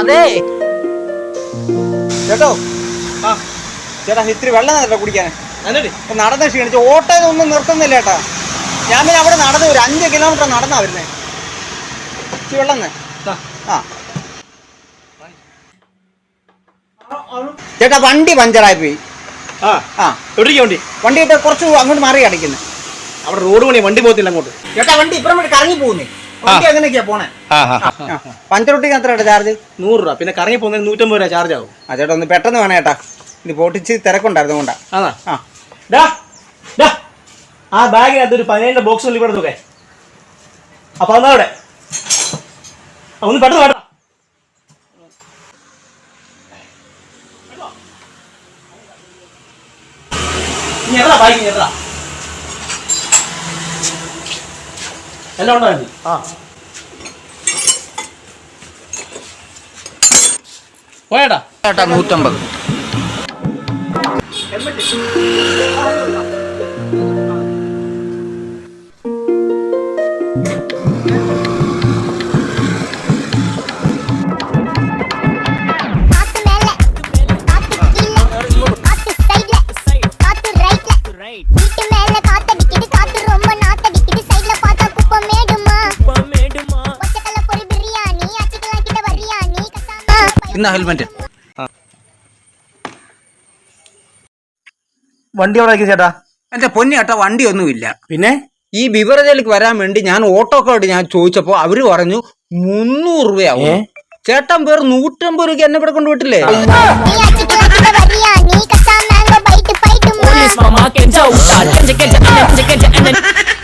അതെ ചേട്ടോ ചേട്ടാ ഇത്തിരി വെള്ളം തരല്ലോ കുടിക്കാൻ. നടന്ന് ക്ഷീണിച്ച് ഓട്ടോയൊന്നും നിർത്തുന്നില്ല ചേട്ടാ. ഞാൻ പിന്നെ അവിടെ നടന്നു ഒരു 5 കിലോമീറ്റർ നടന്നാ വരുന്നേ. ഇച്ചിരി വെള്ളം ചേട്ടാ വണ്ടി പഞ്ചറായി പോയി. വണ്ടി ഇട്ട് കുറച്ച് അങ്ങോട്ട് മാറി അടിക്കുന്നു. അവിടെ റോഡ് പണി വണ്ടി പോകത്തില്ല അങ്ങോട്ട്. ചേട്ടാ വണ്ടി ഇപ്പുറം വേണ്ടി കറങ്ങി പോകുന്നേ. വണ്ടി എങ്ങനെയൊക്കെയാ പോണേ? പഞ്ചറൊട്ടിക്ക് എത്ര ചാർജ്? 100 രൂപ. പിന്നെ കറങ്ങി പോകുന്നതിന് 150 രൂപ ചാർജ് ആവും. ചേട്ടാ ഒന്ന് പെട്ടെന്ന് വേണേ ചേട്ടാ. ഇത് പൊട്ടിച്ച് തിരക്കുണ്ടായിരുന്നു കൊണ്ടാ. ആ ബാഗിനകത്ത് ഒരു 17 ബോക്സ് ഇവിടെ നോക്കേ. അപ്പൊ അതാ അവിടെ ഒന്ന് പെട്ടെന്ന് വേണ്ട. എല്ലാം ഉണ്ടോ? പോയേട്ടാ 150. ഹെൽമെറ്റ് വണ്ടി അവിടെ ചേട്ടാ. എന്റെ പൊന്നി ചേട്ടാ വണ്ടി ഒന്നുമില്ല. പിന്നെ ഈ ബിവറേജിലേക്ക് വരാൻ വേണ്ടി ഞാൻ ഓട്ടോക്കാരോട് ഞാൻ ചോദിച്ചപ്പോ അവര് പറഞ്ഞു 300 രൂപയാവും. ചേട്ടൻ വേറെ 150 രൂപയ്ക്ക് എന്നെ ഇവിടെ കൊണ്ടുപോയിട്ടില്ലേ?